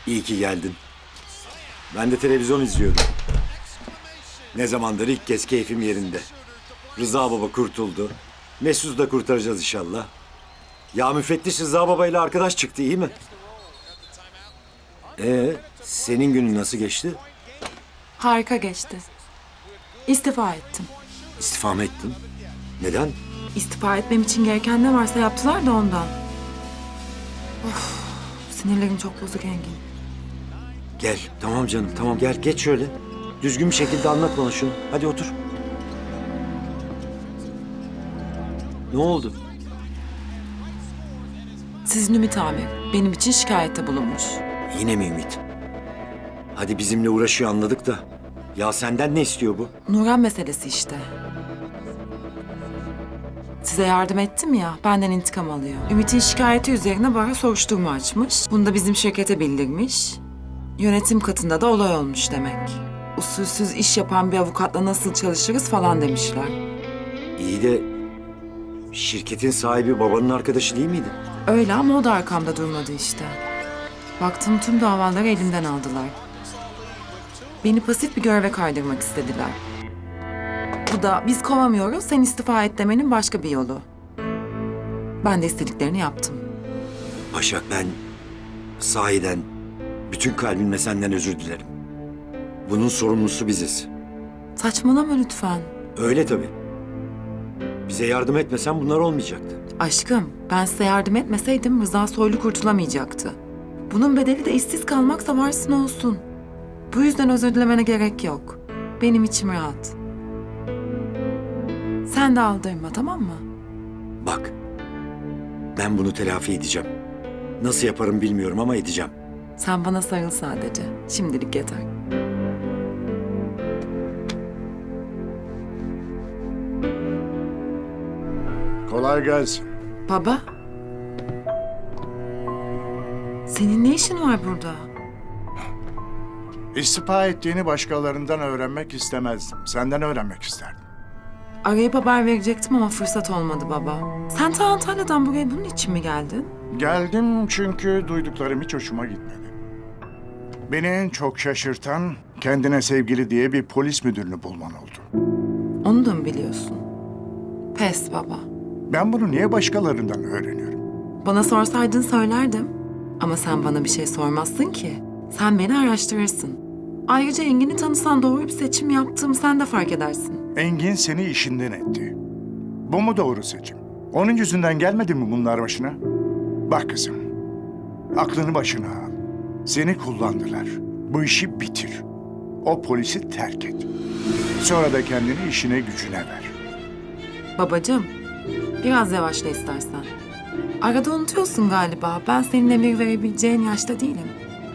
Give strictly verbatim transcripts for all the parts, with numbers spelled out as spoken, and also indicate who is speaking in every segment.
Speaker 1: İyi ki geldin. Ben de televizyon izliyordum. Ne zamandır ilk kez keyfim yerinde. Rıza Baba kurtuldu. Mesut'u da kurtaracağız inşallah. Ya müfettiş Rıza Baba ile arkadaş çıktı, iyi mi? Ee, senin günün nasıl geçti?
Speaker 2: Harika geçti. İstifa ettim.
Speaker 1: İstifa mı ettin? Neden?
Speaker 2: İstifa etmem için gereken ne varsa yaptılar da ondan. Of, sinirlerim çok bozuk Engin.
Speaker 1: Gel, tamam canım, tamam gel geç şöyle. Düzgün bir şekilde anlat bana şunu. Hadi otur. Ne oldu?
Speaker 2: Sizin Ümit amir benim için şikayette bulunmuş.
Speaker 1: Yine mi Ümit? Hadi bizimle uğraşıyor anladık da. Ya senden ne istiyor bu?
Speaker 2: Nuran meselesi işte. Size yardım ettim ya, benden intikam alıyor. Ümit'in şikayeti üzerine bana soruşturma açmış. Bunu da bizim şirkete bildirmiş. Yönetim katında da olay olmuş demek. Usulsüz iş yapan bir avukatla nasıl çalışırız falan demişler.
Speaker 1: İyi de şirketin sahibi babanın arkadaşı değil miydi?
Speaker 2: Öyle ama o da arkamda durmadı işte. Baktım tüm davaları elimden aldılar. Beni pasif bir göreve kaydırmak istediler. Bu da biz kovamıyoruz, sen istifa et demenin başka bir yolu. Ben de istediklerini yaptım.
Speaker 1: Başak, ben sahiden bütün kalbimle senden özür dilerim. Bunun sorumlusu biziz.
Speaker 2: Saçmalama lütfen.
Speaker 1: Öyle tabii. Bize yardım etmesen bunlar olmayacaktı.
Speaker 2: Aşkım, ben size yardım etmeseydim Rıza Soylu kurtulamayacaktı. Bunun bedeli de işsiz kalmaksa varsın olsun. Bu yüzden özür dilemene gerek yok. Benim içim rahat. Sen de aldırma, tamam mı?
Speaker 1: Bak, ben bunu telafi edeceğim. Nasıl yaparım bilmiyorum ama edeceğim.
Speaker 2: Sen bana sarıl sadece. Şimdilik yeter.
Speaker 3: Kolay gelsin.
Speaker 2: Baba. Senin ne işin var burada?
Speaker 3: İstifa ettiğini başkalarından öğrenmek istemezdim. Senden öğrenmek isterdim.
Speaker 2: Arayıp haber verecektim ama fırsat olmadı baba. Sen ta Antalya'dan buraya bunun için mi geldin?
Speaker 3: Geldim çünkü duyduklarım hiç hoşuma gitmedi. Beni en çok şaşırtan kendine sevgili diye bir polis müdürünü bulman oldu.
Speaker 2: Onu da mı biliyorsun? Pes baba.
Speaker 3: Ben bunu niye başkalarından öğreniyorum?
Speaker 2: Bana sorsaydın söylerdim. Ama sen bana bir şey sormazsın ki. Sen beni araştırırsın. Ayrıca Engin'i tanısan doğru bir seçim yaptığımı sen de fark edersin.
Speaker 3: Engin seni işinden etti. Bu mu doğru seçim? Onun yüzünden gelmedi mi bunlar başına? Bak kızım, aklını başına al. Seni kullandılar. Bu işi bitir. O polisi terk et. Sonra da kendini işine gücüne ver.
Speaker 2: Babacığım, biraz yavaşla istersen. Arada unutuyorsun galiba. Ben senin emir verebileceğin yaşta değilim.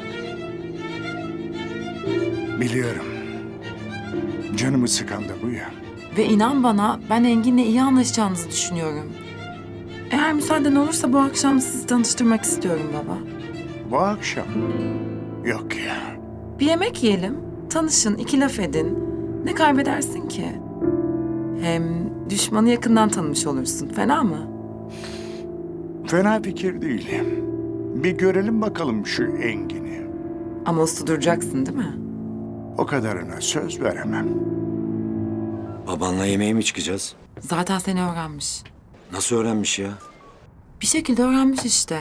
Speaker 3: Biliyorum. Canımı sıkan da bu ya.
Speaker 2: Ve inan bana ben Engin'le iyi anlaşacağınızı düşünüyorum. Eğer müsaaden olursa bu akşam sizi tanıştırmak istiyorum baba.
Speaker 3: Bu akşam. Yok ya.
Speaker 2: Bir yemek yiyelim, tanışın, iki laf edin. Ne kaybedersin ki? Hem düşmanı yakından tanımış olursun. Fena mı?
Speaker 3: Fena fikir değil. Bir görelim bakalım şu Engin'i.
Speaker 2: Ama uslu duracaksın değil mi?
Speaker 3: O kadarına söz veremem.
Speaker 1: Babanla yemeğe mi çıkacağız?
Speaker 2: Zaten seni öğrenmiş.
Speaker 1: Nasıl öğrenmiş ya?
Speaker 2: Bir şekilde öğrenmiş işte.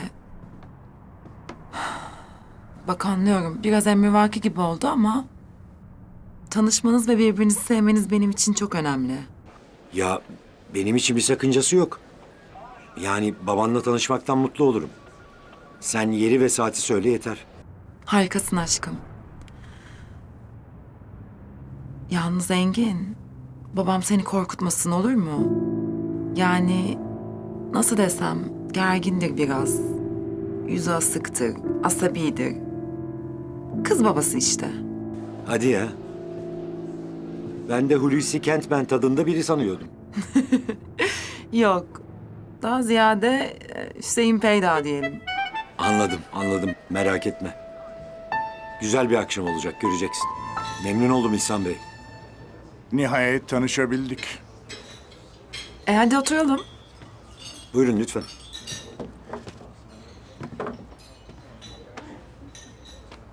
Speaker 2: Bak anlıyorum. Biraz emrivaki gibi oldu ama... tanışmanız ve birbirinizi sevmeniz benim için çok önemli.
Speaker 1: Ya benim için bir sakıncası yok. Yani babanla tanışmaktan mutlu olurum. Sen yeri ve saati söyle yeter.
Speaker 2: Harikasın aşkım. Yalnız Engin, babam seni korkutmasın olur mu? Yani nasıl desem gergindir biraz. Yüzü asıktır, asabidir. Kız babası işte.
Speaker 1: Hadi ya. Ben de Hulusi Kentmen tadında biri sanıyordum.
Speaker 2: Yok, daha ziyade e, Hüseyin Peyda diyelim.
Speaker 1: Anladım, anladım. Merak etme. Güzel bir akşam olacak, göreceksin. Memnun oldum İhsan Bey.
Speaker 3: Nihayet tanışabildik.
Speaker 2: E hadi oturalım.
Speaker 1: Buyurun lütfen.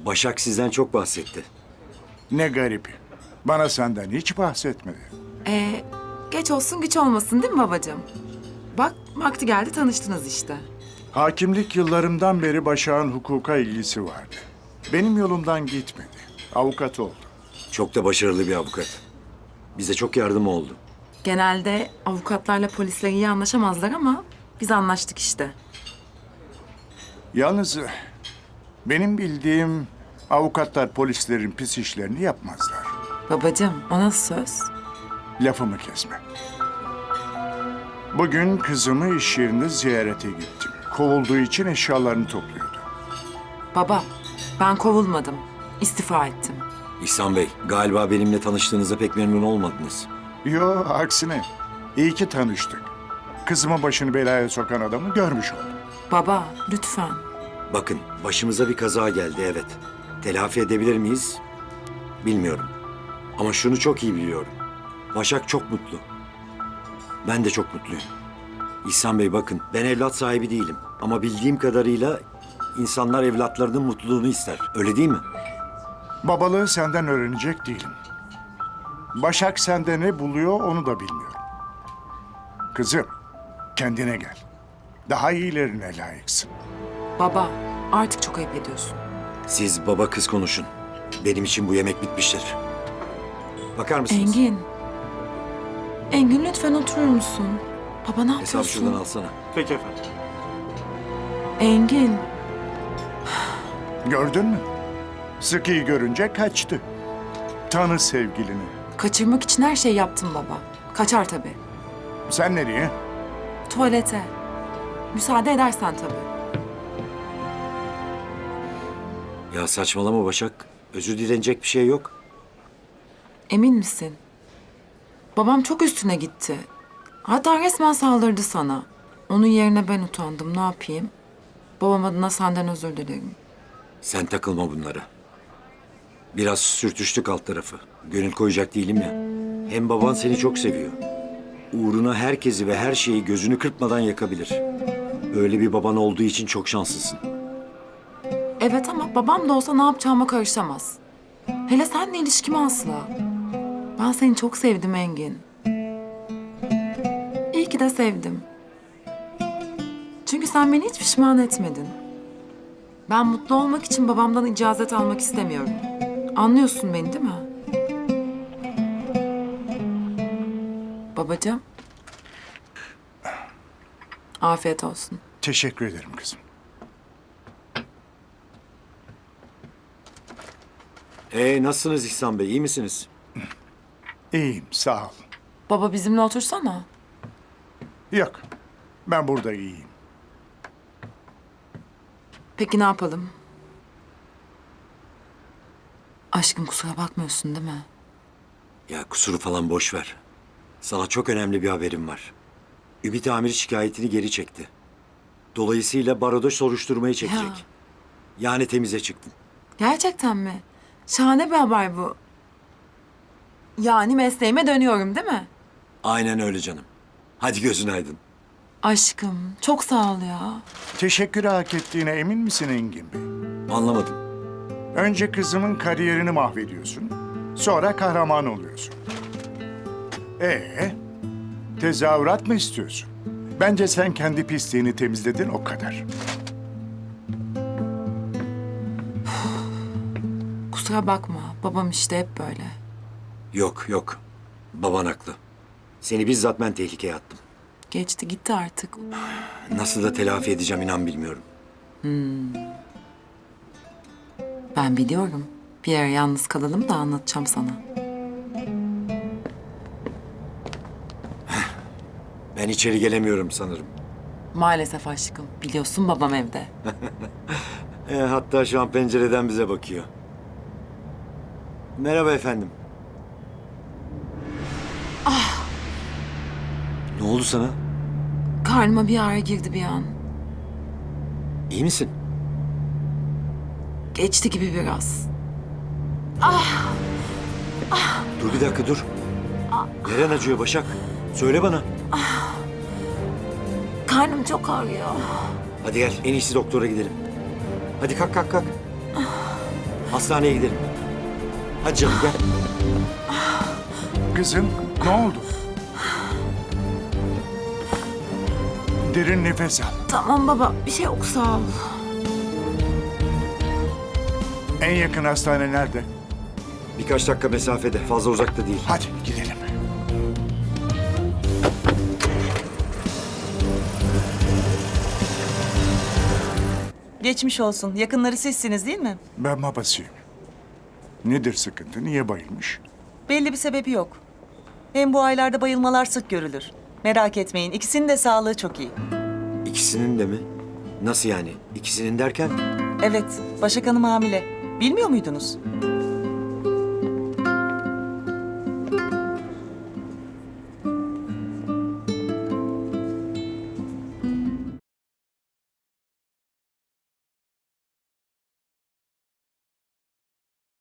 Speaker 1: Başak sizden çok bahsetti.
Speaker 3: Ne garip. Bana senden hiç bahsetmedi.
Speaker 2: Ee, geç olsun güç olmasın değil mi babacığım? Bak vakti geldi tanıştınız işte.
Speaker 3: Hakimlik yıllarımdan beri Başak'ın hukuka ilgisi vardı. Benim yolumdan gitmedi. Avukat oldu.
Speaker 1: Çok da başarılı bir avukat. Bize çok yardım oldu.
Speaker 2: Genelde avukatlarla polisler iyi anlaşamazlar ama biz anlaştık işte.
Speaker 3: Yalnız benim bildiğim avukatlar polislerin pis işlerini yapmazlar.
Speaker 2: Babacığım o nasıl söz?
Speaker 3: Lafımı kesme. Bugün kızımı iş yerinde ziyarete gittim. Kovulduğu için eşyalarını topluyordu.
Speaker 2: Baba ben kovulmadım. İstifa ettim.
Speaker 1: İhsan Bey, galiba benimle tanıştığınızda pek memnun olmadınız.
Speaker 3: Yo, aksine. İyi ki tanıştık. Kızımın başını belaya sokan adamı görmüş oldum.
Speaker 2: Baba lütfen.
Speaker 1: Bakın, başımıza bir kaza geldi, evet. Telafi edebilir miyiz? Bilmiyorum. Ama şunu çok iyi biliyorum. Başak çok mutlu. Ben de çok mutluyum. İhsan Bey bakın, ben evlat sahibi değilim. Ama bildiğim kadarıyla insanlar evlatlarının mutluluğunu ister. Öyle değil mi?
Speaker 3: Babalığı senden öğrenecek değilim. Başak sende ne buluyor onu da bilmiyorum. Kızım, kendine gel. Daha iyilerine layıksın.
Speaker 2: Baba artık çok ayıp ediyorsun.
Speaker 1: Siz baba kız konuşun. Benim için bu yemek bitmiştir. Bakar mısınız?
Speaker 2: Engin. Engin lütfen oturur musun? Baba ne
Speaker 1: Hesabı şuradan
Speaker 2: yapıyorsun?
Speaker 1: alsana.
Speaker 4: Peki efendim.
Speaker 2: Engin.
Speaker 3: Gördün mü? Sıkıyı görünce kaçtı. Tanı sevgilini.
Speaker 2: Kaçırmak için her şeyi yaptım baba. Kaçar tabii.
Speaker 3: Sen nereye?
Speaker 2: Tuvalete. Müsaade edersen tabii.
Speaker 1: Ya saçmalama Başak. Özür dilenecek bir şey yok.
Speaker 2: Emin misin? Babam çok üstüne gitti. Hatta resmen saldırdı sana. Onun yerine ben utandım. Ne yapayım? Babam adına senden özür dilerim.
Speaker 1: Sen takılma bunlara. Biraz sürtüştük alt tarafı. Gönül koyacak değilim ya. Hem baban seni çok seviyor. Uğruna herkesi ve her şeyi gözünü kırpmadan yakabilir. Öyle bir baban olduğu için çok şanslısın.
Speaker 2: Evet ama babam da olsa ne yapacağıma karışamaz. Hele seninle ilişkimi asla. Ben seni çok sevdim Engin. İyi ki de sevdim. Çünkü sen beni hiç pişman etmedin. Ben mutlu olmak için babamdan icazet almak istemiyorum. Anlıyorsun beni değil mi? Babacığım. Afiyet olsun.
Speaker 3: Teşekkür ederim kızım.
Speaker 1: Ee nasılsınız İhsan Bey? İyi misiniz?
Speaker 3: İyiyim, sağ ol.
Speaker 2: Baba bizimle otursana.
Speaker 3: Yok, ben burada iyiyim.
Speaker 2: Peki ne yapalım? Aşkım kusura bakmıyorsun değil mi?
Speaker 1: Ya kusuru falan boş ver. Sana çok önemli bir haberim var. Ümit Amir şikayetini geri çekti. Dolayısıyla baroda soruşturmayı çekecek.
Speaker 2: Ya.
Speaker 1: Yani temize çıktın.
Speaker 2: Gerçekten mi? Şahane bir haber bu. Yani mesleğime dönüyorum değil mi?
Speaker 1: Aynen öyle canım. Hadi gözün aydın.
Speaker 2: Aşkım çok sağ ol ya.
Speaker 3: Teşekkürü hak ettiğine emin misin Engin Bey?
Speaker 1: Anlamadım.
Speaker 3: Önce kızımın kariyerini mahvediyorsun, sonra kahraman oluyorsun. Ee, tezahürat mı istiyorsun? Bence sen kendi pisliğini temizledin o kadar.
Speaker 2: Kusura bakma. Babam işte hep böyle.
Speaker 1: Yok yok. Baban haklı. Seni bizzat ben tehlikeye attım.
Speaker 2: Geçti gitti artık.
Speaker 1: Nasıl da telafi edeceğim inan bilmiyorum.
Speaker 2: Ben biliyorum. Bir ara yalnız kalalım da anlatacağım sana.
Speaker 1: Ben içeri gelemiyorum sanırım.
Speaker 2: Maalesef aşkım. Biliyorsun babam evde.
Speaker 1: E, hatta şu an pencereden bize bakıyor. Merhaba efendim. Ah! Ne oldu sana?
Speaker 2: Karnıma bir ağrı girdi bir an.
Speaker 1: İyi misin?
Speaker 2: Geçti gibi biraz.
Speaker 1: Dur bir dakika dur. Neren acıyor Başak? Söyle bana.
Speaker 2: Karnım çok ağrıyor.
Speaker 1: Hadi gel en iyisi doktora gidelim. Hadi kalk kalk kalk. Hastaneye gidelim. Hadi canım gel.
Speaker 3: Kızım, ne oldu? Derin nefes al.
Speaker 2: Tamam baba, bir şey yok sağ ol.
Speaker 3: En yakın hastane nerede?
Speaker 1: Birkaç dakika mesafede. Fazla uzakta değil.
Speaker 3: Hadi gidelim.
Speaker 4: Geçmiş olsun. Yakınları sizsiniz değil mi?
Speaker 3: Ben babasıyım. Nedir sıkıntı? Niye bayılmış?
Speaker 4: Belli bir sebebi yok. Hem bu aylarda bayılmalar sık görülür. Merak etmeyin. İkisinin de sağlığı çok iyi.
Speaker 1: İkisinin de mi? Nasıl yani? İkisinin derken?
Speaker 4: Evet, Başak Hanım hamile. Bilmiyor muydunuz?